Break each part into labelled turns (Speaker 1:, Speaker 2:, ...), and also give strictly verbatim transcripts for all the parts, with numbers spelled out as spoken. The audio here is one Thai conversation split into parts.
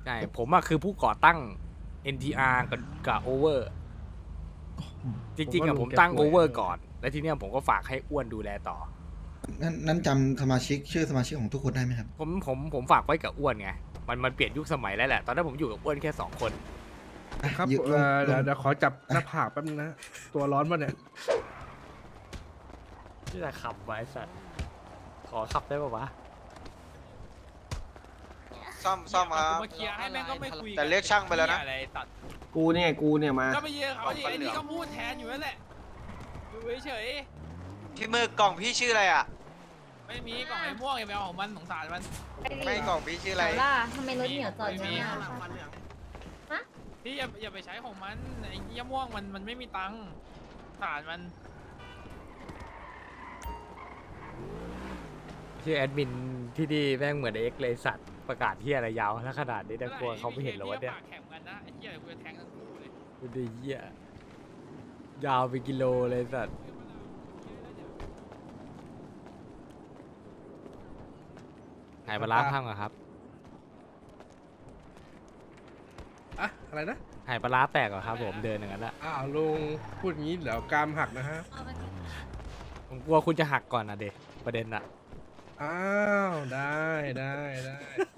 Speaker 1: ใช่ผมอะคือผู้ก่อตั้ง เอ็น ที อาร์ กับกับโอเวอร์จริงๆอะผมตั้งโอเวอร์ก่อน แล้วทีเนี้ยผมก็ฝากให้อ้วนดูแลต่อ
Speaker 2: นั้นนั้นจำสมาชิกชื่อสมาชิกของทุกคนได้ไหมครับ
Speaker 1: ผมผมผมฝากไว้กับอ้วนไงมันมันเปลี่ยนยุคสมัยแล้วแหละตอนนั้นผมอยู่กับอ้วนแค่สองคน
Speaker 2: อ่ะ
Speaker 3: ครับ
Speaker 2: ยืน
Speaker 3: เอ่อ
Speaker 2: ล
Speaker 3: เดี๋ยว
Speaker 2: ง
Speaker 3: เดี๋ยวขอจับหน้าผากแป๊บนึงนะ ตัวร้อนป่ะเนี่ย
Speaker 1: ที่จะขับไว้สัตว์ขอขับได้ป่าวะ
Speaker 4: ซ่อมซ่อมครับ
Speaker 5: มาเคลียร์ให้แม่งก็ไม่คุย
Speaker 4: แต่เรียกช่างไปแล้วนะ
Speaker 5: อะไรตัด
Speaker 6: กูเนี่ยกูเนี่ยมา
Speaker 5: ก็ไปเยอะเขาดิไอ้นี่ก็พูดแทนอยู่นั่นแหละดูเฉย
Speaker 4: พี่มือกล่องพี่ชื่ออะไรอ่ะ
Speaker 5: ๆไม่มีกล่องไอ้ม่วงอย่าไปเอาของมันสงสารมัน
Speaker 4: ไม่กล่องพี่ชื่ออะไร
Speaker 7: แต่ล่ะทำไมรถเหนียวจอดอยู่เนี่ย
Speaker 5: พี่อย่าอย่าไปใช้ของมันไอ้เหี้ยม่วงมันมันไม่มีตังค์สงสารมัน
Speaker 1: ชื่อแอดมินที่ดีแม่งเหมือนเอ็กเลยสัตว์ประกาศที่อะไรยาวแล้วขนาดนี้แต่กลัวเขาไม่เห็นหรอวะเนี่ย
Speaker 5: ปากแข็งกันนะไอ้เหี้ยกูจะแทงทั้งคู่เลย
Speaker 1: ดูดิเหี้ยยาวไปกิโลเลยสัตว์ไหนปลาร้าพังเหรอครับ
Speaker 3: อะอะไรนะ
Speaker 1: ไหนปลาร้าแตกเหรอครับผมเดินอย่างนั้นอะ
Speaker 3: อ้าวลุงพูดอย่างนี้เดี๋ยวกรามหักนะฮะ
Speaker 1: ผมกลัวคุณจะหักก่อนนะเด็ประเด็นอะ
Speaker 3: อ้าวได้ได้ได้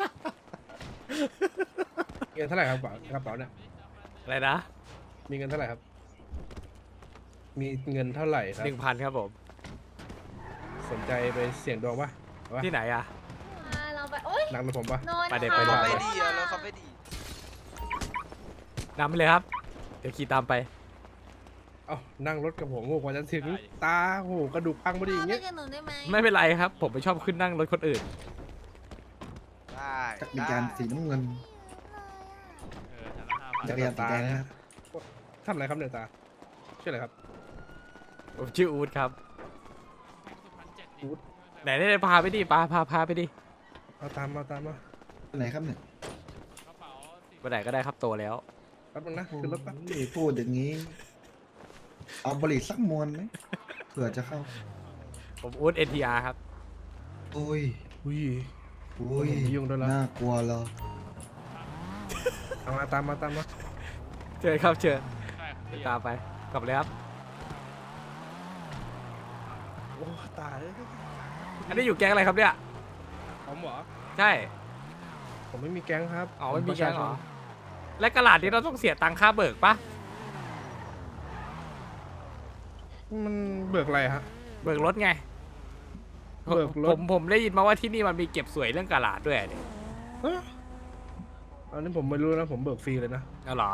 Speaker 3: เงินเท่าไหร่ครับกระเป๋ากระเป๋าเนี่ย
Speaker 1: อะไรนะ
Speaker 3: มีเงินเท่าไหร่ครับ มีเงินเท่าไหร่ครับ
Speaker 1: หนึ่งพันครับผม
Speaker 3: สนใจไปเสี่ยงดวงปะเอาปะ
Speaker 1: ที่ไหนอะ
Speaker 7: อ่าเราไปโอ๊ย
Speaker 3: นั่งรถผมปะ
Speaker 7: นอน
Speaker 1: ไปเด็ก
Speaker 7: ค่ะ
Speaker 1: ไปเด็
Speaker 4: เขา
Speaker 1: ก
Speaker 4: ไม่ดีอ่ะแล้วเขาไม่ดี
Speaker 1: นำไปเลยครับ เดี๋ยวขี่ตามไป
Speaker 3: เอ้านั่งรถกับผมโอ้โหกว่าจะถึงตาโอ้โหกระดูกพังพอดีอย่าง
Speaker 7: เงี้
Speaker 3: เงี้
Speaker 7: ย
Speaker 3: ย
Speaker 7: หนูได้ไหม
Speaker 1: ไม่เป็นไรครับ ผมไม่ชอบขึ้นนั่งรถคนอื่น
Speaker 4: ได้
Speaker 2: จักรยานสีน้ำเงิน
Speaker 5: เออแต่ละห้าพัน
Speaker 2: จักรยานสีแดงนะครับ
Speaker 3: ทำอะไรครับเนี่ยตาชื่ออะไรครับ
Speaker 1: ผมชื่ออูดครับ
Speaker 5: สุพรรณเจ็ด
Speaker 3: อู๊ด
Speaker 1: ไหนได้พาไปดิพาพาพาไปดิ
Speaker 3: เอาตามมาตามมา
Speaker 2: ไหนครับเนี่ย
Speaker 5: กระเป๋าสิบ
Speaker 1: ไปไหนก็ได้ครับโตแล้ว
Speaker 3: แป๊บนึงนะขึ้นรถแป๊บ
Speaker 2: โอ้ยพูดอย่างนี้ เอาบริสักมวนไหมเผื่อจะเข้า
Speaker 1: ผมอูดเอ็นทีอาร์ครับ
Speaker 2: โอ้ย
Speaker 3: อุ้ย
Speaker 2: โอ้ย
Speaker 3: ผมไม่ยุ่งด้วยแล้ว
Speaker 2: น่ากลัวเหรอ
Speaker 3: เอามาตามมาตามมา
Speaker 1: เชิญครับเชิญ
Speaker 5: ใช่ครับ
Speaker 1: ตามไปกลับเลยครับ
Speaker 3: โอ้ตาย
Speaker 1: อันนี้อยู่แก๊งอะไรครับเนี่ย
Speaker 3: ผมเหรอ
Speaker 1: ใช่
Speaker 3: ผมไม่มีแก๊งครับ
Speaker 1: อ๋อไม่มี
Speaker 3: ผ
Speaker 1: แก๊ง
Speaker 3: ประชาชน
Speaker 1: เหรอ และกระดาษนี้เราต้องเสียตังค่าเบิกปะ
Speaker 3: มันเบิกอะไรฮะ
Speaker 1: เบิกรถไง
Speaker 3: เบิกรถ
Speaker 1: ผมผมได้ยินมาว่าที่นี่มันมีเก็บสวยเรื่องกระดาษด้วยเนี่ย
Speaker 3: เอ้ออันนี้ผมไม่รู้นะผมเบิกฟรีเลยนะ
Speaker 1: เอาเหร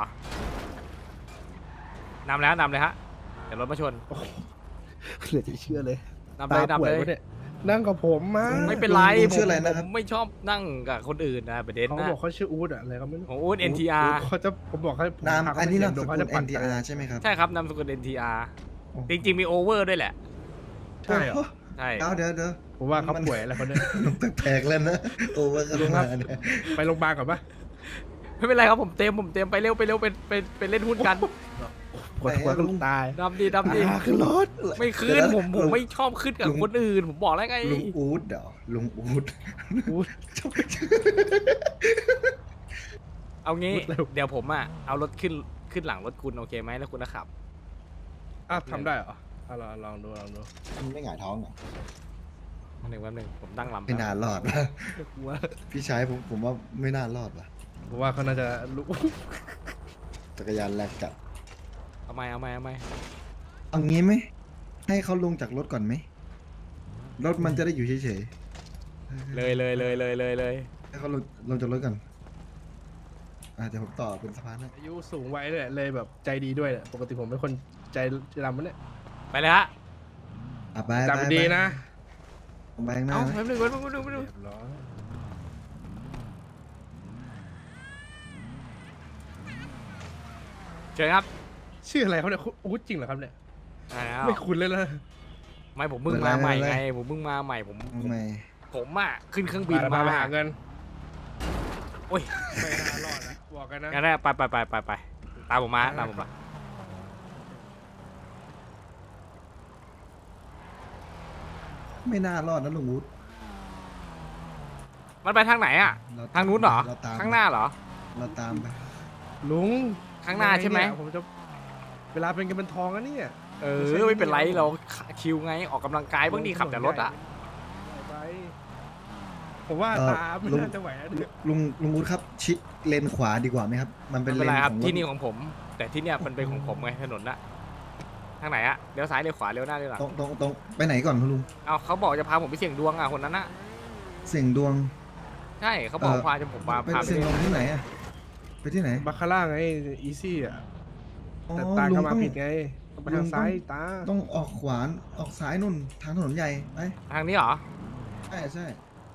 Speaker 1: อนำแล้วนำเลยฮะเดี๋ยวรถมาชน
Speaker 3: เหลือจะเชื่อเลย
Speaker 1: นำเลยนำเลย
Speaker 3: ตาป่วะนี่นั่งกับผมมา
Speaker 1: ไม่เป็นไร
Speaker 2: ลุง
Speaker 1: ผม
Speaker 2: ชื่ออะไรนะครับ
Speaker 1: ผมไม่ชอบนั่งกับคนอื่นนะประเด็น
Speaker 3: เขา
Speaker 1: นะ
Speaker 3: บอกเขาชื่ออู๊ดอะอะไรก็ไม่รู้
Speaker 1: ของอูดเอ็นทีอาร์
Speaker 3: เขาจะผมบอกให้ผม
Speaker 2: นาม
Speaker 3: พเข
Speaker 2: อันนี้
Speaker 3: ไป
Speaker 2: นาม
Speaker 3: เสี่
Speaker 2: ส
Speaker 3: ยงดวง
Speaker 2: กุ
Speaker 3: เขา
Speaker 2: ล
Speaker 3: จะปั่น
Speaker 2: เอ็น ที อาร์ ใช่ไหมครับ
Speaker 1: ใช่ครับนามสกุล เอ็น ที อาร์ จริงๆมีโอเวอร์ด้วยแหละ
Speaker 3: ใช่เหรอ
Speaker 1: ใช่
Speaker 2: เดี๋ยวเดี๋ยวเดี๋ยว
Speaker 3: ผมว่าเขาป่วยอะไรเขาเนี่ย
Speaker 2: มันแปลกๆแล้วนะโอเวอร์กัน
Speaker 3: ลุงครั
Speaker 2: มา
Speaker 3: บ
Speaker 2: เนี่ย
Speaker 3: ไปโรงพยาบาลก่อนปะ
Speaker 1: ไม่เป็นไรครับผมเต็มผมเต็มไปเร็วไปเร็วไปไปไปเล่นหุ้นกัน
Speaker 3: ปวดหัวก็ลุงตาย
Speaker 1: ดำดีดำดี
Speaker 3: อ่าขึ้นรถ
Speaker 1: ไม่ขึ้น
Speaker 2: เดี๋ยวะ
Speaker 1: ผมผม
Speaker 2: ลุง
Speaker 1: ไม่ชอบขึ้นกับคนอื่น ผมบอกแล้วไง
Speaker 2: ลุงอูดเดี๋ยวลุงอูด
Speaker 3: อู๊ด
Speaker 1: เอางี้
Speaker 3: พูดเร็ว
Speaker 1: เดี๋ยวผมอ่ะเอารถขึ้นขึ้นหลังรถคุณโอเคไหมแล้วคุณจะขับ
Speaker 3: อ้าวทำได้เหรออ่ะลองลองดูลองดู
Speaker 2: มันไม่หงายท้องเหรอ
Speaker 1: แป๊บหนึ่งแป๊บหนึ่งผมตั้งลำ
Speaker 2: ไม่น่ารอดว่ะ
Speaker 3: ว่า
Speaker 2: พี่ชายผมผมว่าไม่น่ารอดว่ะ
Speaker 3: ผมว่าเขาน่าจะรู้
Speaker 2: จักรยานแลกจัด
Speaker 1: เอาไหมเอาไหมเอาไหม
Speaker 2: เอางี้ไหมให้เขาลงจากรถก่อนไหมรถมันจะได้อยู่เฉย
Speaker 1: เลยเลยเลยเลยเลยเลย
Speaker 2: ๆให้เขาลงลงจากรถก่อนอ่าเดี๋ยวผมต่อเป็นสะพานให้
Speaker 3: อายุสูงวัยเลยเลยแบบใจดีด้วยเนี่ยปกติผมเป็นคนใจดำมันเนี่ย
Speaker 1: ไปเลยฮะ
Speaker 2: อ่ะไปไป
Speaker 3: จำดีนะ
Speaker 2: ไปข้างหน้า
Speaker 1: เอา
Speaker 2: นะ
Speaker 1: แป๊บหนึ่งแป๊บหนึ่งแป๊บหนึ่งแป๊บหนึ่ง
Speaker 3: เรียบร้อย
Speaker 1: เชิญครับ
Speaker 3: ชื่ออะไรเขาเนี่ยอู๊ดจริงเหรอครับเนี่ย
Speaker 1: อ่าแล้ว
Speaker 3: ไม่คุ้นเลยนะ
Speaker 1: ไม่ผมเพิ่งมาใหม่ไงผมเพิ่งมาใหม่ผมผม
Speaker 2: ทำไม
Speaker 1: ผมอ่ะขึ้นเครื่องบิน
Speaker 3: มา
Speaker 1: มา
Speaker 3: ไปหาเงิน
Speaker 1: โอ้ย
Speaker 3: ไม่น่ารอดนะบอกกันนะ
Speaker 1: งั้นนะไปไปไปไปไปตามผมมาตามผมมา
Speaker 2: ไม่น่ารอดนะลุงอูด
Speaker 1: มันไปทางไหนอ่ะ
Speaker 2: เร
Speaker 1: ทางนู้นเหรอ
Speaker 2: เตม
Speaker 1: ข้างหน้าเหรอ
Speaker 2: เเราตามไป
Speaker 3: ลุง
Speaker 1: ข้างหน้าใช่ไหม
Speaker 3: ยังงเนี่ยผมจะเวลาเป็นกันเป็นทองอะเนี่ย
Speaker 1: เออไม่เป็นไรเราชิวไงออกกำลังกายบ้างดีขับแต่รถอ่ะ
Speaker 3: ไปผมว่า
Speaker 2: เอ่อ
Speaker 3: ตาไม่
Speaker 2: ลุง
Speaker 3: น่าจะไหวอะเนี่ย
Speaker 2: ลุงลุงอู๊ดครับ ชิดเลนขวาดีกว่าไหมครับ มันเป็
Speaker 1: ไม่
Speaker 2: น
Speaker 1: เป็
Speaker 2: เล
Speaker 1: น
Speaker 2: น
Speaker 1: ไรค
Speaker 2: ข
Speaker 1: รับ
Speaker 2: องรถ
Speaker 1: ที่นี่ของผม แต่ที่เนี่ยมันเป็นของผมไงถนนน่ะทางไหนอะเลี้ยวซ้ายเลี้ยวขวาเลี้ยวหน้าเลี้ยวหลัง
Speaker 2: ตรงตรงตรงไปไหนก่อนคุณลุง
Speaker 1: เอาเขาบอกจะพาผมไปเสี่ยงดวงอ่ะคนนั้นน่ะ
Speaker 2: เสียงดวง
Speaker 1: ใช่เขาบอก
Speaker 2: เอ่อ
Speaker 1: พาจะผมมา
Speaker 2: ไป
Speaker 1: พาไป
Speaker 2: เสียงดวงที่ไหนอะไปที่ไหน
Speaker 3: บาคาร่าไงอีซี่อ่ะ
Speaker 2: อ๋อ
Speaker 3: แต่ตา
Speaker 2: ลุ
Speaker 3: ก็
Speaker 2: ง
Speaker 3: มา
Speaker 2: ต้อง
Speaker 3: ผิดไงต้องไป
Speaker 2: ลุ
Speaker 3: ทาง
Speaker 2: ง
Speaker 3: ซ้าย
Speaker 2: ต้อง
Speaker 3: ตา
Speaker 2: ต้องออกขวานออกซ้ายนุ่นทางถนนใหญ่ไป
Speaker 1: ทางนี้เหรอ
Speaker 2: ใช่ใช่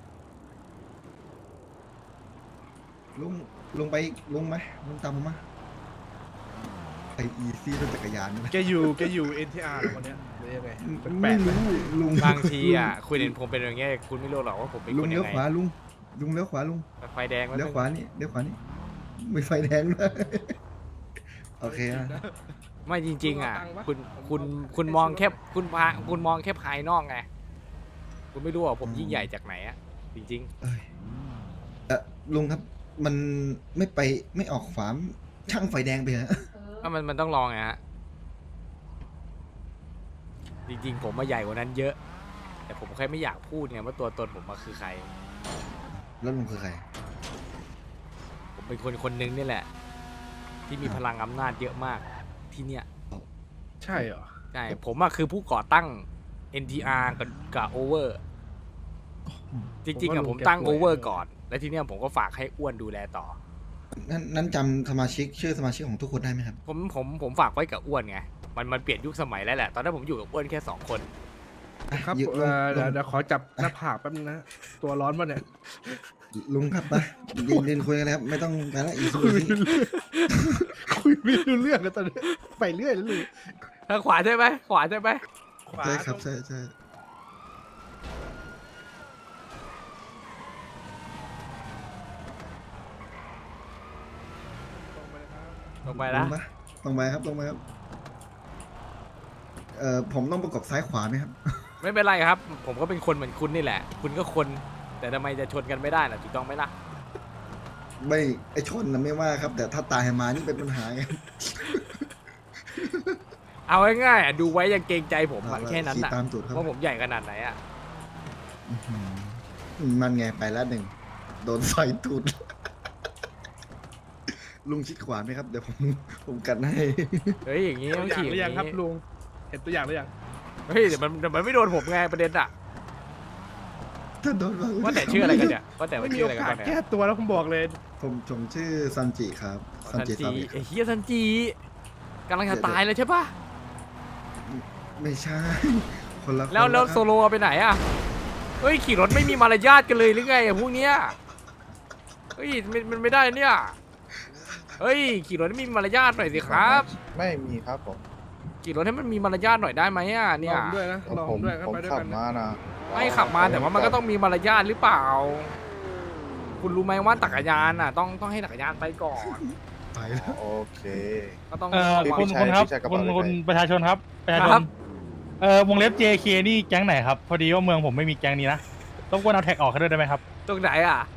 Speaker 2: ลุงลุงไปลุงไหมลุงตามผมมาไออีซี่รถจักรยานนี่นะ
Speaker 3: แกอยู่แกอยู่ เอ็น ที อาร์ เหรอคนเนี้ยหรือยังไงแปล
Speaker 2: ไม่
Speaker 3: กๆไหม
Speaker 2: รู้ลุง
Speaker 1: บางทีอ่ะคุณเห็นผมเป็นอย่างเงี้ยคุณไม่รู้หรอกว่าผมเป็น
Speaker 2: ลุ
Speaker 1: ค
Speaker 2: ง
Speaker 1: น
Speaker 2: เลี้
Speaker 1: ยั
Speaker 2: ยว
Speaker 1: งไง
Speaker 2: ขวาลุงลุงเลี้ยวขวาลุง
Speaker 1: ไฟแดงแล้ว
Speaker 2: เลี้ยวขวานี่เลี้ยวขวานี่มีไฟแดงด้วยโอเคอะ
Speaker 1: ไม่จริง ๆ อ่ะ คุณคุณคุณมองแค่คุณพาคุณมองแค่ภายนอกไงคุณไม่รู้ว่าผมยิ่งใหญ่จากไหนอ่ะจริง
Speaker 2: เอ้ยเออลุงครับ มันไม่ไปไม่ออกขวาช่างไฟแดงไปฮะ
Speaker 1: ๆถ้ามันมันต้องลองไงฮะจริง ๆ ผมมาใหญ่กว่านั้นเยอะ แต่ผมแค่ไม่อยากพูดไงว่าตัวตนผมมาคือใคร
Speaker 2: แล้วลุงคือใคร
Speaker 1: ผมเป็นคนคนหนึงนี่แหละ ที่มีพลังอำนาจเยอะมากที่เนี่ย
Speaker 3: ใช่เหรอ
Speaker 1: ใช่ผมอะคือผู้ก่อตั้ง เอ็น ที อาร์ กับกับโอเวอร์ จริงๆอะผมตั้งโอเวอร์ก่อน และทีเนี้ยผมก็ฝากให้อ้วนดูแลต่อ
Speaker 2: นั้นนั้นจำสมาชิกชื่อสมาชิกของทุกคนได้ไหมครับ
Speaker 1: ผมผมผมฝากไว้กับอ้วนไง มันมันเปลี่ยนยุคสมัยแล้วแหละ ตอนนั้นผมอยู่กับอ้วนแค่สองคน
Speaker 3: ครับ
Speaker 2: อยู่
Speaker 3: เอ่อ
Speaker 2: ลุง
Speaker 3: เดี๋ยวเดี๋ยวขอจับหน้าผากแป๊บนึงนะ ตัวร้อนป่ะเนี่ย
Speaker 2: ลุงครับไปเดินเดินคุยกันเลยครับ ไม่ต้องไปละอีซูซี่
Speaker 3: คุยไม่รู้เรื่องกันตอนนี้ไปเรื่อยแล้วลุง
Speaker 1: ทางขวาใช่ไหมขวาใช่ไหม
Speaker 3: ขวา
Speaker 2: ใช่ครับใช่ใช่
Speaker 3: ตรงไปเลยครับ
Speaker 1: ลงไป
Speaker 2: ล
Speaker 1: นะ
Speaker 2: งมาตรงไปครับตรงไปครับ เอ่อผมต้องประกบซ้ายขวาไหมครับ
Speaker 1: ไม่เป็นไรครับ ผมก็เป็นคนเหมือนคุณนี่แหละ คุณก็คน แต่ทำไมจะชนกันไม่ได้ล่ะถูกต้องไหมล่ะ
Speaker 2: ไม่ไอชนนะไม่ว่าครับ แต่ถ้าตายมานี่เป็นปัญหาไง
Speaker 1: เอาง่ายๆอะดูไว้ยังเกรงใจผมอะแค่นั้น
Speaker 2: ขี่
Speaker 1: อะ
Speaker 2: ตามจุดครับ
Speaker 1: ว่าผมใหญ่ขนาดไหนอะ
Speaker 2: อื้อหือมันไงไปแล้วหนึ่งโดนไฟตูด ลุงชิดขวาไหมครับ เดี๋ยวผมผมกันให้
Speaker 1: เฮ้ยอย่างงี้
Speaker 3: ตัว
Speaker 1: ต้อง
Speaker 3: อย่าง
Speaker 1: ขี่
Speaker 3: หรือยังครับ
Speaker 1: นี้
Speaker 3: ลุง เห็นตัวอย่างหรือยัง
Speaker 1: เฮ้ยเดี๋ยวมันเดี๋ยวมันไม่โดนผมไงประเด็นอะ
Speaker 2: ถ้าโดนบ้ง
Speaker 1: ว่าแต่ชื่ออะไรกันเนี่ยว่าแต่ว่า
Speaker 3: ไม่มี
Speaker 1: ชื่อ
Speaker 3: โอ
Speaker 1: อะไรกัน
Speaker 3: กาส
Speaker 1: บ้างเนี่
Speaker 3: แก้
Speaker 1: ย
Speaker 3: ตัวแล้วผมบอกเลย
Speaker 2: ผมผมชื่อซันจิครับซัน
Speaker 1: ซัน
Speaker 2: จิ
Speaker 1: จี
Speaker 2: ซาบิ
Speaker 1: ไอ้เฮียซันจีกำลังจะตายเลยใช่ปะ
Speaker 2: ไม่ใช่ คนละคน
Speaker 1: แล้วแล้ว
Speaker 2: ครับ
Speaker 1: โซโลไปไหนอะเฮ้ยขี่รถไม่มีมารยาทกันเลยหรือไงอะพวกเนี้ยเฮ้ยมันมันไม่ได้เนี่ยเฮ้ยขี่รถให้มีมารยาทหน่อยสิครับ
Speaker 6: ไม่มีครับผม
Speaker 1: ขี่รถให้มันมีมารยาทหน่อยได้ไหมอะเนี่
Speaker 3: ล
Speaker 1: ย
Speaker 3: องด้วยนะลอง
Speaker 6: ผม
Speaker 3: ด้วยกัน
Speaker 6: ผม
Speaker 3: ไปด้วย
Speaker 6: ขั
Speaker 3: กับ นนะ
Speaker 6: มานะ
Speaker 1: ไม่ขับมาแต่ว่ามันก็ต้องมีมารยาทหรือเปล่า คุณรู้ไหมว่าจักรยานอ่ะ ต้องต้องให้จักรยานไปก่อน
Speaker 2: ไปแล้ว
Speaker 6: โอเค
Speaker 1: ก็ต้อง
Speaker 8: เอ่อ
Speaker 1: ระวัง
Speaker 8: คุณ
Speaker 6: พี่ชาย
Speaker 8: คุณครับ
Speaker 6: พี่ชายกระ
Speaker 8: คุ
Speaker 6: เป๋า
Speaker 8: ณ
Speaker 6: เลข
Speaker 8: คุณ
Speaker 6: อะไร
Speaker 8: ประชาชนครับประชาช
Speaker 1: ครั
Speaker 8: น
Speaker 1: บ
Speaker 8: เอ่อวงเล็บ เจ เค นี่แก๊งไหนครับ พอดีว่าเมืองผมไม่มีแก๊งนี้นะรบกวนเอาแท็กออกให้ด้วยได้ไหมครับ
Speaker 1: ตรงไหนอ่ะ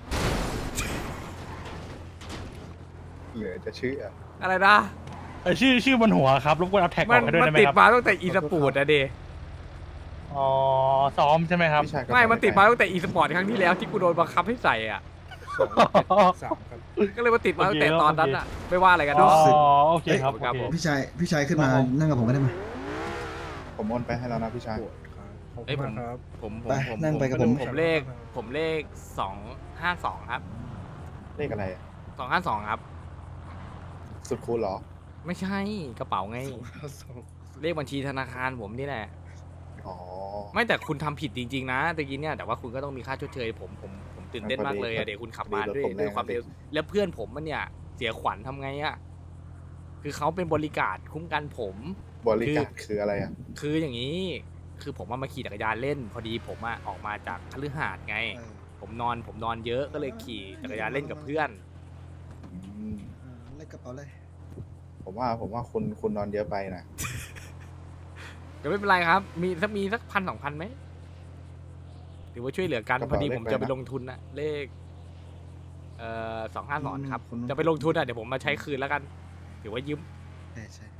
Speaker 6: เหลือจะเชื่อ
Speaker 1: อะไรนะ
Speaker 8: เออชื่อชื่อบนหัวครับรบกวนเอาแท็กอ
Speaker 1: มั
Speaker 8: อน กให้ด้วย
Speaker 1: มัน
Speaker 8: ได้ไหม
Speaker 1: ติด
Speaker 8: ครับ
Speaker 1: มาตั้งแต่อีสปอร์ตอะเด
Speaker 8: อ๋อซ้อมใช่ไหมครับ
Speaker 6: พี่ชายกระ
Speaker 1: ไม่
Speaker 6: เป๋า
Speaker 1: มันติดมาตั้งแต่อีสปอร์ตครั้งที่แล้วที่กูโดนบังคับให้ใส่อ่ะ
Speaker 3: สามครับ
Speaker 1: ก็เลยมาติดมาตั้งแต่
Speaker 8: โอเค
Speaker 1: ตอนนั้นอ่ะ ไม่ว่าอะไรกัน
Speaker 8: อ๋อ
Speaker 1: เนาะ
Speaker 8: โอเคครับ
Speaker 1: ครับ
Speaker 8: โอ
Speaker 1: ผม
Speaker 8: เค
Speaker 2: พี่ชายพี่ชายขึ้นมา
Speaker 8: ครับผม
Speaker 2: นั่งกับผมก็ได้ไหม
Speaker 6: ผมโอนไปให้แล้วนะพี่ชาย
Speaker 3: ขอบ
Speaker 1: เอ้
Speaker 3: คุ
Speaker 1: ย
Speaker 3: ณ
Speaker 1: ผม
Speaker 3: มากครับ
Speaker 1: ผมผ
Speaker 2: ไป
Speaker 1: มผม
Speaker 2: นั่งไปกับผม
Speaker 1: ผมเลข ผมเลขสองห้าสองครับ
Speaker 6: เลขอะไรอะ
Speaker 1: สองห้าสองครับ
Speaker 6: สุดคูณเหรอ
Speaker 1: ไม่ใช่กระเป๋าไง
Speaker 3: สอง
Speaker 1: เลขบัญชีธนาคารผมนี่แหละ
Speaker 6: อ๋อ
Speaker 1: ไม่แต่คุณทำผิดจริงๆนะตะกี้เนี่ยแต่ว่าคุณก็ต้องมีค่าชดเชยผมผมผมตื่นเต้นมากเลยอะเดี๋ยวคุณขับมาด้วย
Speaker 6: พอดีรถผมแรง
Speaker 1: ด้วยความเร็วแล้วเพื่อนผมมันเนี่ยเสียขวัญทำไงอะคือเขาเป็นบริการคุ้มกันผม
Speaker 6: บริการคืออะไรอ่ะ
Speaker 1: คืออย่างนี้ คือผมว่ามาขี่จักรยานเล่น พอดีผมอะออกมาจากคฤหาสน์ไง
Speaker 2: เออ
Speaker 1: ผมนอนผมนอนเยอะก็เลยขี่จักรยานเล่นกับเพื่อน
Speaker 6: อืม
Speaker 2: เออเลขกระเป๋าเลย
Speaker 6: ผมว่าผมว่าคุณคุณนอนเยอะไปนะ
Speaker 1: ก็ไม่เป็นไรครับ มีสักมีสักพันสองพันไหมหรือว่าช่วยเหลือกันพอดีผมจะไปลงทุนนะเลขเอ่อสองห้าสอนครับ
Speaker 2: คนนู้น
Speaker 1: จะไปลงทุนอ่ะเดี๋ยวผมมาใช้คืนแล้วกันถือว่ายืม
Speaker 2: ใช่ใช่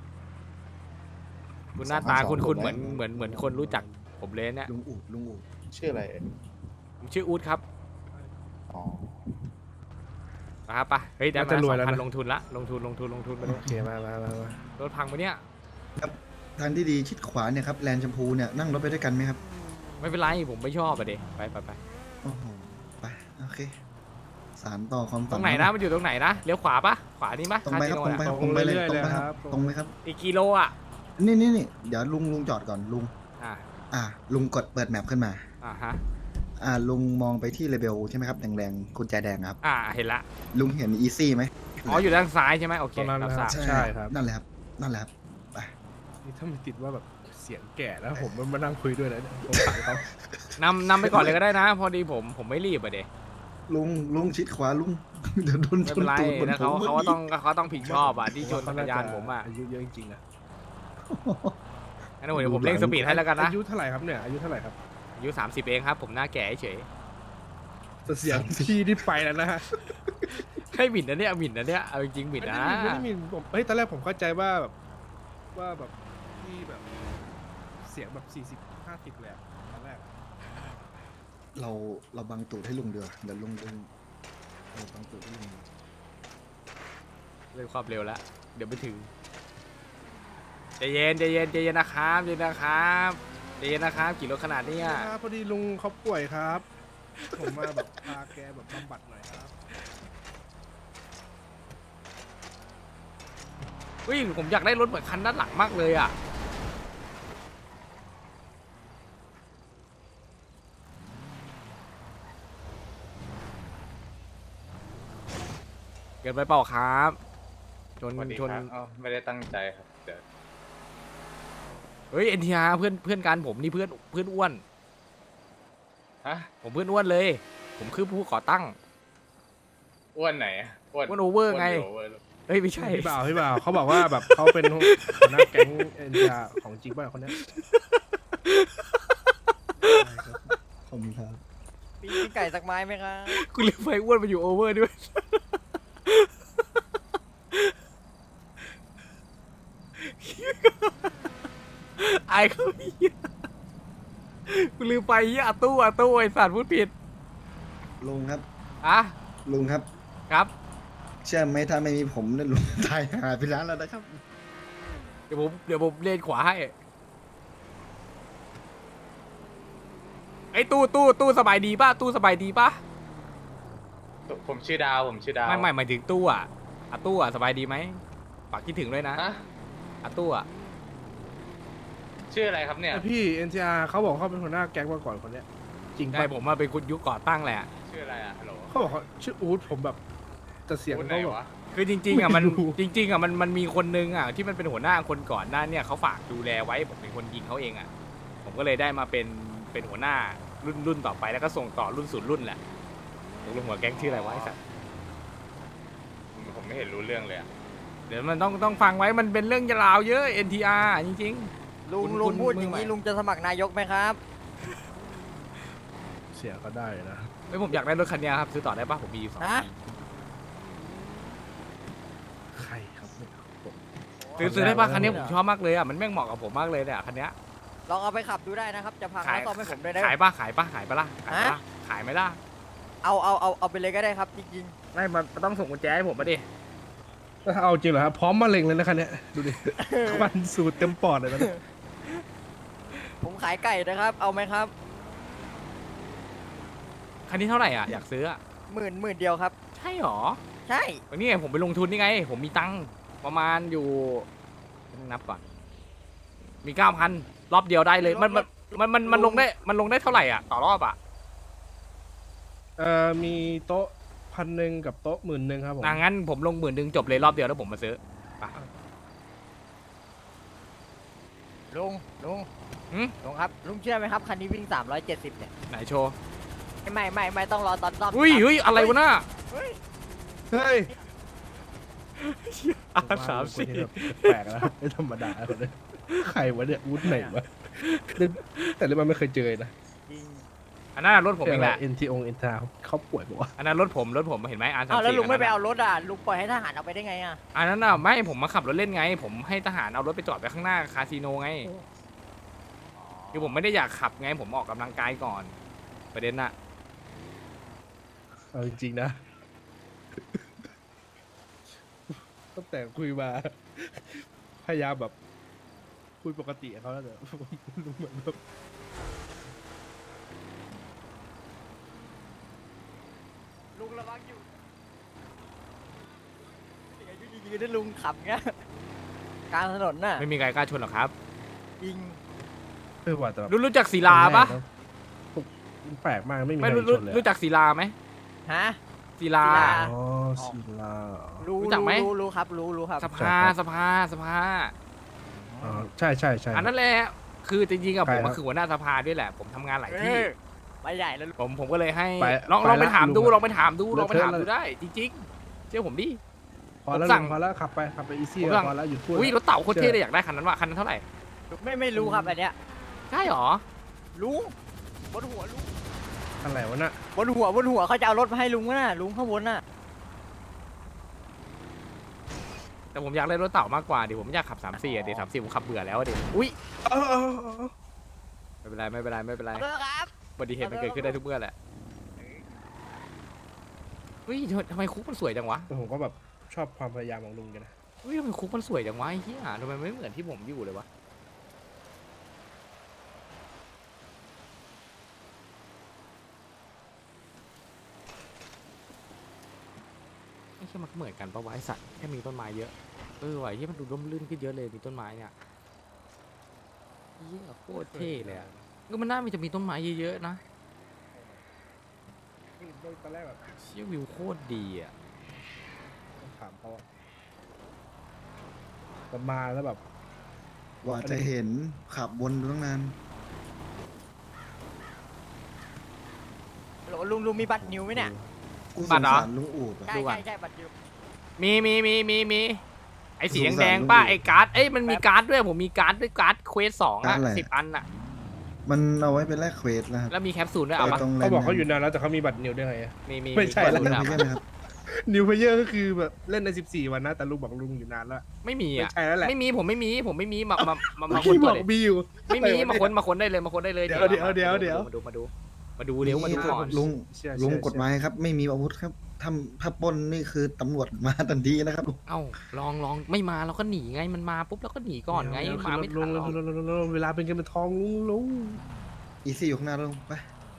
Speaker 1: คุณหน้าตา
Speaker 6: สองพันสอง
Speaker 1: คุณคุณ
Speaker 6: ผม
Speaker 1: เหมือน
Speaker 6: ได้
Speaker 1: เหมือนเหมือนคนรู้จักผมเลยเนี่ย
Speaker 2: ลุงอูดลุงอูด
Speaker 6: ชื่ออะไรเอ่ย
Speaker 1: ผมชื่ออู๊ดครับ
Speaker 6: อ๋อ
Speaker 1: นะครับปะเฮ้ยได้
Speaker 3: น่า
Speaker 1: มา
Speaker 3: จะ
Speaker 1: ส
Speaker 3: ร
Speaker 1: อ
Speaker 3: วย
Speaker 1: ง
Speaker 3: แล้ว
Speaker 1: พัน
Speaker 3: นะ
Speaker 1: ลงทุนละลงทุนลงทุนลงทุนไปเล
Speaker 3: โอย เคมามามามา
Speaker 1: รถพังปะเนี่ย
Speaker 2: ทางที่ดีชิดขวาเนี่ยครับแลนด์ชมพูเนี่ยนั่งรถไปด้วยกันไหมครับ
Speaker 1: ไม่เป็นไรผมไม่ชอบอะเด็ไปไปไป
Speaker 2: โอ้โหไปโอเค สารต่อความ
Speaker 1: ต
Speaker 2: ฝั
Speaker 1: ร
Speaker 2: น
Speaker 1: งไหนนะมันอยู่ตรงไหนนะเลี้ยวขวาปะขวานี่ปะ
Speaker 2: ตรงไปครับ
Speaker 1: คา
Speaker 2: ตรง
Speaker 1: สิ
Speaker 2: ไป
Speaker 1: โน
Speaker 2: ครับ
Speaker 1: อะ
Speaker 2: ตรงไปเลยตรงไปครับตรงไหมครับ
Speaker 1: อีกกิโลอ่ะ
Speaker 2: นี่นี่นี่เดี๋ยวลุงลุงจอดก่อนลุง
Speaker 1: อ่า
Speaker 2: อ่าลุงกดเปิดแมปขึ้นมา
Speaker 1: อ่าฮะ
Speaker 2: อ่าลุงมองไปที่เลเบลใช่ไหมครับแดงๆกุญแจแดงครับ
Speaker 1: อ่าเห็นละ
Speaker 2: ลุงเห็นอีซี่ไหม
Speaker 1: อ๋ออยู่ด้านซ้ายใช่ไหมโอเค
Speaker 3: ตรงนั้น
Speaker 1: รับ
Speaker 3: นะ
Speaker 1: ท
Speaker 3: ครั
Speaker 1: รา
Speaker 3: บบ
Speaker 2: ใช่
Speaker 3: ใช่ครับ
Speaker 2: นั่นแหละครับนั่นแหละครับไป
Speaker 3: นี่ถ้ามันติดว่าแบบเสียงแก่แล้วผมมานั่งคุยด้วยนะเนี่ยผมสั่งเขา
Speaker 1: นำนำไปก่อนเลยก็ได้นะ พอดีผมผมไม่รีบอะเด็
Speaker 2: ลุงลุงชิดขวาลุง เดี๋ยวโดน
Speaker 1: ไม่
Speaker 2: ช
Speaker 1: เป็น นไร
Speaker 2: ตูดบน
Speaker 1: นะ
Speaker 2: ผ
Speaker 1: เขา
Speaker 2: ม
Speaker 1: เขาก็ต้องเขาต้องผิดชอบอ่ะที่ชน
Speaker 3: เข
Speaker 1: จักรยานผมอ่ะ
Speaker 3: อายุเยอะจริงๆนะ
Speaker 1: งั้นเดี๋ยวผมเร่งสปีดให้แล้วกันนะ
Speaker 3: อายุเท่าไหร่ครับเนี่ยอายุเท่าไหร่ครับ
Speaker 1: อายุสามสิบเองครับ ผมหน้าแก่เฉย
Speaker 3: แต่เสียงพี่ที่ไปแล้วนะฮะ
Speaker 1: ให้หมิ่นนะเนี่ยหมิ่นนะเนี่ยเอาจริงๆหมิ่น
Speaker 3: ไม่
Speaker 1: นะ
Speaker 3: ได้มีไม่ได้มีผมเฮ้ยตอนแรกผมเข้าใจว่าแบบว่าแบบพี่แบบเสียงแบบสี่สิบห้าสิบเลยอะตอนแรก
Speaker 2: เราเราบังตูดให้ลุงเดือเดี๋ยวลุงลุงเราบังตูดให้ลุง
Speaker 1: เร่งความเร็วแล้วเดี๋ยวไม่ถึงใจเย็นใจเย็นใจเย็นนะครับใจเย็นนะครับใจเย็นนะครับกี่รถขนาดเนี้ย
Speaker 3: ครับพอดีลุงเขาป่วยครับ ผมมาแบบพาแกแบบบำบัดหน่อยครับ
Speaker 1: เฮ้ยผมอยากได้รถเหมือนคันด้านหลังมากเลยอ่ะเกินไปเปล่าครับชนชน
Speaker 9: ไม่ได้ตั้งใจครับเดี๋ยว
Speaker 1: เฮ้ยเอ็นทีอาร์เพื่อนเพื่อนกันผมนี่เพื่อนเพื่อนอ้วน
Speaker 9: ฮะ
Speaker 1: ผมเพื่อนอ้วนเลย ผมคือผู้ก่อตั้ง
Speaker 9: อ้วนไหนอะอ้วน
Speaker 1: อ้วนโอเวอร์ไง
Speaker 9: โอเวอร์
Speaker 1: เฮ้ยไม่ใช่
Speaker 3: พี่บ่าวพี่บ่าวเขาบอกว่าแบบเขาเป็นหัวหน้าแก๊งเอ็นจาของจริงป่ะคนเนี้ย
Speaker 2: ขอบคุณครับ
Speaker 10: มีไก่สักไม้ไหมครับ
Speaker 1: กูลืมไปอ้วนมาอยู่โอเวอร์ด้วย ไอ้เขาเหี้ยกูลืมไปเหี้ยอาตู้อาตู้ไอ้สัตว์พูดผิด
Speaker 2: ลุงครับ
Speaker 1: อ่ะ
Speaker 2: ลุงครับ
Speaker 1: ครับ
Speaker 2: เชื่อไหมถ้าไม่มีผมเนี่ยลุงตายหายไปแล้วแล้วนะครับ
Speaker 1: เดี๋ยวผมเดี๋ยวผมเลนขวาให้ไอ้ตู้ตู้ตู้สบายดีป่ะตู้สบายดีป่ะ
Speaker 9: ผมชื่อดาวผมชื่อดาว
Speaker 1: ไม่ไม่หมายถึงตู้อ่ะอาตู้อ่ะสบายดีไหมฝากคิดถึงด้วยนะ
Speaker 9: ฮะ
Speaker 1: อาตู้อ่ะ
Speaker 9: ชื่ออะไรครับเนี่ย
Speaker 3: แต่พี่เอ็นจาเขาบอกเขาเป็นหัวหน้าแก๊งมาก่อนคนเนี้ยจริง
Speaker 1: ใช่
Speaker 3: ป่ะ
Speaker 1: ผมมาเป็นคุณยุคก่อตั้งแหละ
Speaker 9: ชื่ออะไรอะฮัลโหล
Speaker 3: เขาบอกเขาชื่ออู๊ดผมแบบแต่เสียง
Speaker 9: พูดไหน
Speaker 3: เขาแบบ
Speaker 9: วะ
Speaker 1: คือจริงๆอ่ะมัน
Speaker 3: ไม่รู้
Speaker 1: จริง ๆอ่ะมันมันมีคนนึงอ่ะที่มันเป็นหัวหน้าคนก่อนหน้าเนี่ยเขาฝากดูแลไว้ผมเป็นคนยิงเขาเองอ่ะผมก็เลยได้มาเป็นเป็นหัวหน้ารุ่นรุ่นต่อไปแล้วก็ส่งต่อรุ่นสู่รุ่นแหละตกลงหัวแก๊งชื่ออะไรวะไอ้สัส
Speaker 9: ผมไม่เห็นรู้เรื่องเลยอะ
Speaker 1: เดี๋ยวมันต้องต้องฟังไว้มันเป็นเรื่องยาวเยอะ เอ็น ที อาร์ จริง
Speaker 10: ลุง
Speaker 1: คุณ
Speaker 10: ลุ
Speaker 1: คุ
Speaker 10: ง
Speaker 1: ณ
Speaker 10: พูด
Speaker 1: มือ
Speaker 10: อย่าง
Speaker 1: ใหม่
Speaker 10: นี้ลุงจะสมัครนายกไหมครับ
Speaker 3: เสียงเขาได้นะ
Speaker 1: ๆไม่ผมอยากได้รถคันเนี้ยครับซื้อต่อได้ปะผมมีอยู่สอง
Speaker 10: ฮะ
Speaker 1: คัน
Speaker 3: ใครครับเนี่ยผม
Speaker 1: ซื้อซื้อได้ปะคันเนี้ยผมชอบมากเลยอ่ะมันแม่งเหมาะกับผมมากเลยเนี่ยคันเนี้ย
Speaker 10: ลองเอาไปขับดูได้นะครับ จะพัง
Speaker 1: ขาย
Speaker 10: แล้วซ่อมให้ผมได้ได้
Speaker 1: ขายปะขายปะขายปะล่ะขายปะล่ะ
Speaker 10: ฮะ
Speaker 1: ขายไหมล่ะ
Speaker 10: เอาเอาเอาเอาไปเลยก็ได้ครับจริง
Speaker 1: ไม่มันต้องส่งกุญแจให้ผมมาดิ
Speaker 3: เอาจริงเหรอครับพร้อมมาเล็งเลยนะคันเนี้ยดูดิควันสูดเต็มปอดเลยตอนนี้
Speaker 10: ๆ ผมขายไก่นะครับ เอาไหมครับ
Speaker 1: คันนี้เท่าไหร่อ่ะอยากซื้ออ่ะ
Speaker 10: หมื่นหมื่นเดียวครับ
Speaker 1: ใช่หรอ
Speaker 10: ใช่
Speaker 1: วันนี้ไงผมไปลงทุนนี่ไง ผมมีตังค์ประมาณอยู่ต้องนับก่อน มีเก้าพันรอบเดียวได้เลย มันมันมันมันมันลงได้มันลงได้เท่าไหร่อ่ะต่อรอบอ่ะ
Speaker 3: เอ่อมีโต๊ะพันหนึ่งกับโต๊ะหมื่นหนึ่งครับผม
Speaker 1: อ่ะงั้นผมลงหมื่นหนึ่งจบเลยรอบเดียวแล้วผมมาซื้อ
Speaker 10: ลุงลุง
Speaker 1: หืม
Speaker 10: ลุงครับ ลุงเชื่อไหมครับคันนี้วิ่งสามร้อยเจ็ดสิบเนี่ย
Speaker 1: ไหนโชว์
Speaker 10: ไม่ไม่ไม่ต้องรอตอนซ่อม
Speaker 1: อุ้ย
Speaker 10: ครับ
Speaker 1: เฮ้ยอะไรวะน่ะ
Speaker 10: เฮ้ย
Speaker 3: เฮ้ย
Speaker 1: อาสามสี่
Speaker 3: แปลกแล้วไม่ธรรมดาคนนี้ใครวะเนี่ยอู๊ดไหนวะแต่เรื่องมันไม่เคยเจอนะ
Speaker 10: จริง
Speaker 1: อันนั้นนะรถผมเองแหละ
Speaker 3: เอ็นทีองเอ็นทาเขาป่วยปะวะ
Speaker 1: อันนั้นรถผมรถผมเห็นไหมอันสาม
Speaker 10: อ้าวแล้ว
Speaker 1: สี่
Speaker 10: ลุงไม่ไป
Speaker 1: อัน
Speaker 10: เอา
Speaker 1: นั้น
Speaker 10: รถอ่ะลุงปล่อยให้ทหารเอาไปได้ไงอ่ะ
Speaker 1: อันนั้นน่ะไม่ผมมาขับรถเล่นไง ผมให้ทหารเอารถไปจอดไว้ข้างหน้าคาสิโนไงคือผมไม่ได้อยากขับไงผมออกกำลังกายก่อน ประเด็นน่ะ
Speaker 3: เอาจริงๆนะตั้งแต่คุยมา พยายามแบบคุยปกติกับเขาแล้วแต่ลุงเหมือนแบบ
Speaker 10: ลุงระวังอยู่ยังไงก็ยืนได้ลุงขับเงี้ยกลางถนนน่ะ
Speaker 1: ไม่มีใครกล้าชนหรอกครับ
Speaker 10: ยิง
Speaker 3: เออว่าแต่แบบ
Speaker 1: รู้รู้จักศิลาปะ
Speaker 3: มันแปลกมากไม่มีใค
Speaker 1: ไม่
Speaker 3: ร
Speaker 1: รู้
Speaker 3: ช
Speaker 1: รู้
Speaker 3: นเลย
Speaker 1: รู้จักศิลาไหม
Speaker 10: ฮะ
Speaker 1: ศิลา
Speaker 10: ศิลา
Speaker 3: อ๋อศิลา
Speaker 10: รู้
Speaker 1: รู้จักไหม
Speaker 10: รู้รู้ครับรู้รู้ครับ
Speaker 1: สภาสภาสภา
Speaker 3: อ๋อใช่ใช่ใช่
Speaker 1: อันนั้นแหละคือจริงๆกับ
Speaker 3: ใคร
Speaker 1: ผม
Speaker 3: ครั
Speaker 1: ก็
Speaker 3: บ
Speaker 1: คือหัวหน้าสภาด้วยแหละ ผมทำงานหลาย
Speaker 10: เอ
Speaker 1: ที่
Speaker 10: อไปใหญ่แล้วลุง
Speaker 1: ผมผมก็เลยให้
Speaker 3: ไป
Speaker 1: ลอง
Speaker 3: ไป
Speaker 1: ลองไป
Speaker 3: ละ
Speaker 1: ถามดู
Speaker 3: ลุงอะ
Speaker 1: ลองไปถามดูลองไป
Speaker 3: เลอะ
Speaker 1: ถาม
Speaker 3: เทอะ
Speaker 1: ดู
Speaker 3: เลย
Speaker 1: ได้ จริงๆเชื่อผมดิ
Speaker 3: พอแล้ว
Speaker 1: ผมสั่ง
Speaker 3: ลุงพอแล้วขับไปขับไปอีซี่
Speaker 1: ผมสั่ง
Speaker 3: พอแล้วหยุดพูด
Speaker 1: อุ้ยร
Speaker 3: แล้ว
Speaker 1: ถเต่าโคตรเท่เลยอยากได้คันนั้นว่ะคันนั้นเท่าไหร่
Speaker 10: ไม่ไม่รู้ครับอันเนี้ย
Speaker 1: ใช่หรอ
Speaker 10: ลุงบนหัวลุง
Speaker 3: อะไรวะน่ะ
Speaker 10: บนหัวบนหัวเขาจะเอารถมาให้ลุงน่ะลุงข้างบนน่ะ
Speaker 1: แต่ผมอยากได้รถเต่ามากกว่าดิผมไม่อยากขับสามสี่อะดิสามสี่ผมขับเบื่อแล้วอะดิอุ้ย
Speaker 3: เออเออเออ
Speaker 1: ไม่เป็นไรไม่เป็นไรไม่เป็นไร
Speaker 10: เออครับ
Speaker 1: อุบัติเหตุมันเกิดขึ้นได้ทุกเมื่อแหละเฮ้ยทำไมคุกมันสวยจังวะ
Speaker 3: แต่ผมก็แบบชอบความพยายามของลุงกันนะ
Speaker 1: เฮ้ยทำไมคุกมันสวยจังวะไอ้เหี้ยทำไมไม่เหมือนที่ผมอยู่เลยวะไอ้เหี้ยมันเหมือนกันปะวะไอ้สัตว์แค่มีต้นไม้เยอะเออว่ะไอ้เหี้ยมันดูร่มรื่นขึ้นเยอะเลยมีต้นไม้เนี่ยเหี้ยโคตรเท่เลยอะก็มันน่ามันจะมีต้นไม้เยอะๆนะ
Speaker 3: ตอนแรกแบบ
Speaker 1: เชี่ยวิวโคตรดีอ่ะ
Speaker 3: ถามเขาอะแต่มาแล้วแบบ
Speaker 2: กว่าจะเห็นขับวนตั้งนาน
Speaker 10: โหลลุงลุงมีบัตรนิวไหมเนี่ย
Speaker 2: กูส
Speaker 1: บัต
Speaker 2: ง
Speaker 1: รเหรอ
Speaker 2: สารลุงอูดอะ
Speaker 10: ใช่
Speaker 1: ดูก่อน
Speaker 10: ใช่ใช่บัตรนิว
Speaker 1: มีมีมีมีมีไอ้สี
Speaker 2: สงสาร
Speaker 1: แดง
Speaker 2: ลุง
Speaker 1: ๆป้า
Speaker 2: ดิ
Speaker 1: ไอ้การ์ดเอ้ยมันมีการ์ดด้วยผมมีการ์ดด้วยการ์ดเควสสอง
Speaker 2: การ์
Speaker 1: อ่ะ
Speaker 2: ดอะไร
Speaker 1: สิบอันอ่ะ
Speaker 2: มันเอาไว้เป็นแลกเควสนะครับ
Speaker 1: แล้วมีแคปซูลด้วยเอา
Speaker 2: ไป
Speaker 1: ปะ
Speaker 2: ตรงแล
Speaker 3: เขา
Speaker 2: นด์
Speaker 3: บอกเขาอยู่นานแล้วแต่เขามีบัตรนิวได้ไงอะ
Speaker 1: มีมี
Speaker 3: ไม่ใช่
Speaker 1: แคป
Speaker 3: แล้ว
Speaker 1: ซูล
Speaker 2: ไม่
Speaker 1: ด้วย
Speaker 2: ใช่
Speaker 1: เอา
Speaker 2: ไหม
Speaker 1: ปะ
Speaker 2: ครับ
Speaker 3: นิวเพเยอร์ก็คือแบบเล่นในสิบสี่วันนะแต่ลุงบอกลุงอยู่นานแล้ว
Speaker 1: ไม่มี
Speaker 3: ไม่
Speaker 1: อ่ะ
Speaker 3: ใช่แล้วแหละ
Speaker 1: ไม่มีผมไม่มีผมไม่มีมามามามา
Speaker 3: เมื่อ
Speaker 1: ค้
Speaker 3: กี้
Speaker 1: น
Speaker 3: บ
Speaker 1: ตั
Speaker 3: อ
Speaker 1: ว
Speaker 3: ก
Speaker 1: เลย
Speaker 3: มีอยู่
Speaker 1: ไม่มี
Speaker 3: อะไรวะ
Speaker 1: มาค้นมาค้นได้เลยมาค้นได้เลย
Speaker 3: เดี๋ยวเดี๋ยว
Speaker 1: มา
Speaker 3: เดี๋ยวเดี๋ยว
Speaker 1: มาดูมาดูมาดูเร็วมาดูก่อน
Speaker 2: ลุง
Speaker 3: เชื่อ
Speaker 2: ลุง
Speaker 3: เชื่อก
Speaker 2: ฎหมายครับ ไม่มีอาวุธครับทำถ้าปล้นนี่คือตำรวจมาทันทีนะครับลุง
Speaker 1: เอ้าลองลองไม่มาเราก็หนีไงมันมาปุ๊บเราก็หนีก่อนไง
Speaker 3: เดี๋ยว
Speaker 1: มาไม่
Speaker 3: ลุ
Speaker 1: ทั
Speaker 3: ง
Speaker 1: นหร
Speaker 3: ลุ
Speaker 1: อก
Speaker 3: งลุงลุงลุงเวลาเป็นเงินเป็นทองลุงลุง
Speaker 2: อีซี่อยู่ข้างหน้าลุงไป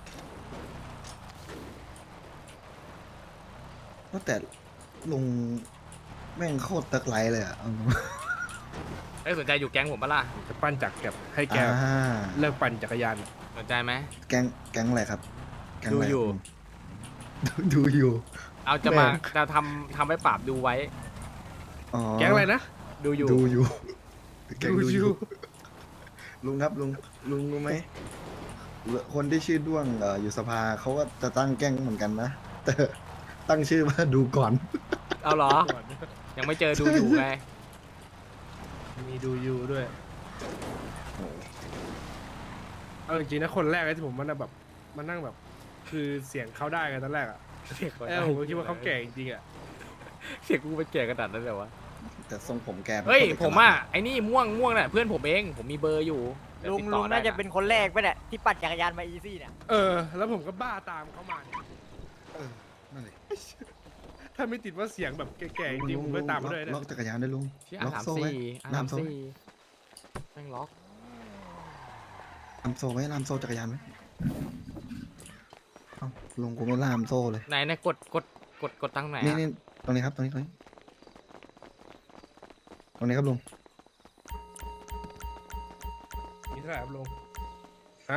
Speaker 2: ว่าแต่ลุงแม่งโคตรตะไคร้เลยอ่ะเอาตรง
Speaker 1: เอ้ยสนใจอยู่แก๊งผมปะล่ะ
Speaker 3: จะปั้นจักรแบบให้แก
Speaker 2: อ่า
Speaker 3: เลิกปั่นจักรยาน
Speaker 1: สนใจไหม
Speaker 2: แก๊งแก๊งอะไรครับแก๊งะไร
Speaker 1: ดูอยู่
Speaker 2: ครับลุงดูดูอยู่
Speaker 1: เอาจะมาจะทำทำให้ปราบดูไว้
Speaker 2: อ๋อ
Speaker 3: แก๊งอะไรนะ
Speaker 1: ดูอยู่
Speaker 2: ดูอยู่แก๊ง
Speaker 3: ดู
Speaker 2: ดู
Speaker 3: อ
Speaker 2: อยู่ ยู่ ลุงครับลุงลุงรู้ไหมคนที่ชื่อด้วงเอ่ออยู่สภาเขาก็จะตั้งแก๊งเหมือนกันนะแต่ตั้งชื่อว่าดูก่อน
Speaker 1: เอาเหรอ ยังไม่เจอดูอยู่ไง
Speaker 3: มีดูยูด้วยเอาจริงๆนะคนแรกเลยที่ผมมันแบบมานั่งแบบ คือเสียงเขาได้ไงตอนแรกอ่ะเออผมก็คิดว่าเขาแก่จริงๆอ่ะ
Speaker 1: เสียงกูเป็นแก่กระดาษนั่นเลยวะ
Speaker 2: แต่ทรงผมแก
Speaker 1: เฮ้ย
Speaker 2: ป็น
Speaker 1: ผมอ่ะไอ้นี่ม่วงม่วงน่ะเพื่อนผมเองผมมีเบอร์อยู่เดี๋ยว
Speaker 10: ลุง
Speaker 1: ติด
Speaker 10: ลุ
Speaker 1: ต่อง ได้
Speaker 10: น่าจะเป็นคนแรกไปเนี่ยที่ปั่นจักรยานมาอีซี่เนี่ย
Speaker 3: เออ แล้วผมก็บ้าตามเขามาเนี่ย
Speaker 2: เออนั่นเลย
Speaker 3: ถ้าไม่ติดว่าเสียงแบบแก่ๆจริงๆผมไม่ตามมาด้วย
Speaker 2: ล็
Speaker 3: เนี่
Speaker 2: อก
Speaker 3: ย
Speaker 2: จักรยานด้วยลุง
Speaker 1: ชื่ออา
Speaker 2: ล็อก
Speaker 1: สาม
Speaker 2: โซ่ไว้
Speaker 1: สี่อา
Speaker 2: ล่า
Speaker 1: สาม ม
Speaker 2: โซ่
Speaker 1: สี่แม่งล็อก
Speaker 2: ล่ามโซ่ไว้ล่ามโซ่จักรยานไว้เอ้าลุงกูไม่ล่ามโซ่เลย
Speaker 1: ไหนเนี่ยกดกดกดกดตั้งไหน
Speaker 2: นี่
Speaker 1: อะ
Speaker 2: นี่ตรงนี้ครับตรงนี้ตรงนี้ตรงนี้ครับลุง
Speaker 3: มีเท่าไหร่ครับลุงฮะ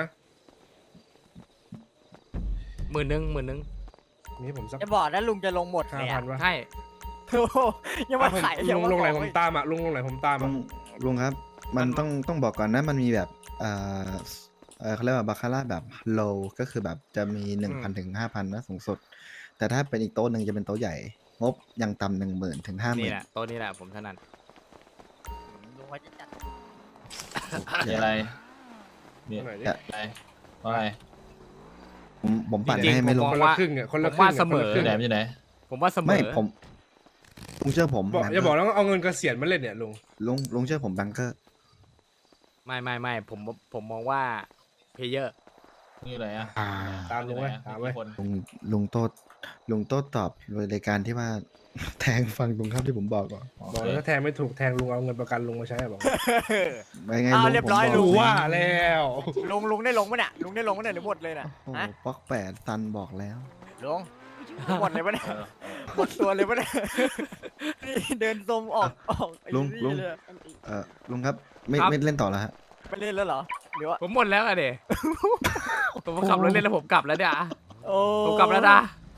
Speaker 1: หมื่นหนึ่งหมื่นหนึ่ง
Speaker 3: มีให้ผมสัก
Speaker 10: จะบอกนะลุงจะลงหมด
Speaker 3: ห้า
Speaker 10: เลย
Speaker 3: พั
Speaker 10: อะ
Speaker 3: นวะ
Speaker 1: ใช่
Speaker 10: โอ้โหยังมาขาย
Speaker 3: ลุ
Speaker 10: ยัง
Speaker 3: ง
Speaker 10: มา
Speaker 3: ลงไหน
Speaker 10: ข
Speaker 3: ผ
Speaker 10: อ
Speaker 3: ม
Speaker 10: อีก
Speaker 3: ตามอ่ะลุงลงไหนผมตาม
Speaker 2: ลุ
Speaker 3: อ่ะ
Speaker 2: งลุงครับ มันต้องต้องบอกก่อนนะมันมีแบบเอ่อเอ่อเขาเรียกว่าบาคาร่าแบบ low ก็คือแบบจะมีหนึ่งพันถึงห้าพันนะสูงสุด แต่ถ้าเป็นอีกโต๊ะหนึ่งจะเป็นโต๊ะใหญ่ งบยังต่ำหนึ่งหมื่นถึงห้าห
Speaker 1: นี่
Speaker 2: มื่น
Speaker 1: แหละตัวนี้แหละผมถนัด
Speaker 10: ลุงว่าจะจัด
Speaker 2: มีอะไร
Speaker 3: ตรงไหนดิ
Speaker 2: อย่า
Speaker 9: ว่าไง
Speaker 2: ผมผมปั่น
Speaker 1: จริงๆ
Speaker 2: ให้ไม่ล
Speaker 1: ผม
Speaker 2: ง
Speaker 1: ม
Speaker 3: ค
Speaker 1: อง
Speaker 3: นละ
Speaker 1: ว่า
Speaker 3: ครึ่งอ่ะคนละ
Speaker 1: ผม
Speaker 3: ครึ่
Speaker 1: ว่าง
Speaker 3: อะ
Speaker 1: เสมอ
Speaker 3: คนละครึ่ง
Speaker 8: ไหนมันอยู่ไหน
Speaker 1: ผมว่าเสมอ
Speaker 2: ไม่ผมลุงเชื่อผม
Speaker 3: บอก
Speaker 2: แบง
Speaker 3: อย่า
Speaker 2: เก
Speaker 3: บอก
Speaker 2: อร์
Speaker 3: แล้วเอาเงินเกษียณมาเล่นเนี่ยลุง
Speaker 2: ลุงลุงเชื่อผมแบงเกอร์
Speaker 1: ไม่ไม่ไม่ผมผมมองว่าเพลเยอร์
Speaker 8: นี่ไหนอะ
Speaker 3: ตามลุงไว้ตามไว้
Speaker 8: คน
Speaker 2: ลุงลุงโต้ลุงโต้ตอบรายการที่ว่า แทงฟังตรงข้ามที่ผมบอกก่อน
Speaker 3: บอกแล้วถ้าแทงไม่ถูกแทงลุงเอาเงินประกันลุงมาใช้อะบอก
Speaker 2: ไม่ไง
Speaker 10: อ้าว
Speaker 2: ลุง
Speaker 10: เรียบ
Speaker 2: ผม
Speaker 10: ร้อย
Speaker 2: บก
Speaker 10: ลุ
Speaker 3: รู้
Speaker 10: ง
Speaker 3: ว่าแล้ว
Speaker 10: ลุงลุงได้ลงปะเนี่ยลุงได้ลงปะเนี่ยหรือหมดเลยน่ะ
Speaker 2: โอ้โห
Speaker 10: ฮะ
Speaker 2: ป๊อกแปดตันบอกแล้ว
Speaker 10: ลุงหมดเลยปะเนี่ยหมดตัวเลยปะเนี่ยนี่เดินซมออกออกไอ้
Speaker 2: ลุง
Speaker 10: นี่
Speaker 2: ลุง
Speaker 10: เย
Speaker 2: เออลุงครับไม่
Speaker 1: ครับ
Speaker 2: ไม่เล่นต่อแล้วฮะ
Speaker 10: ไม่เล่นแล้วเหรอหรือว่า
Speaker 1: ผมหมดแล้วอะเด ผมขับรถเล่นแล้วผมกลับแล้วเนี่ยอะ
Speaker 10: โอ้
Speaker 1: ผมกลับแล้วนะ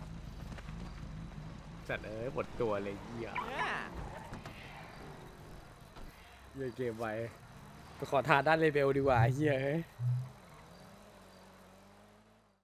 Speaker 1: จัดเอ้ยหมดตัวเลยเหี้ย
Speaker 10: เนี่ย
Speaker 1: เหี้ยเกมไว้ไปขอทานด้านเลเวลดีกว่าเหี้ยเฮ้ย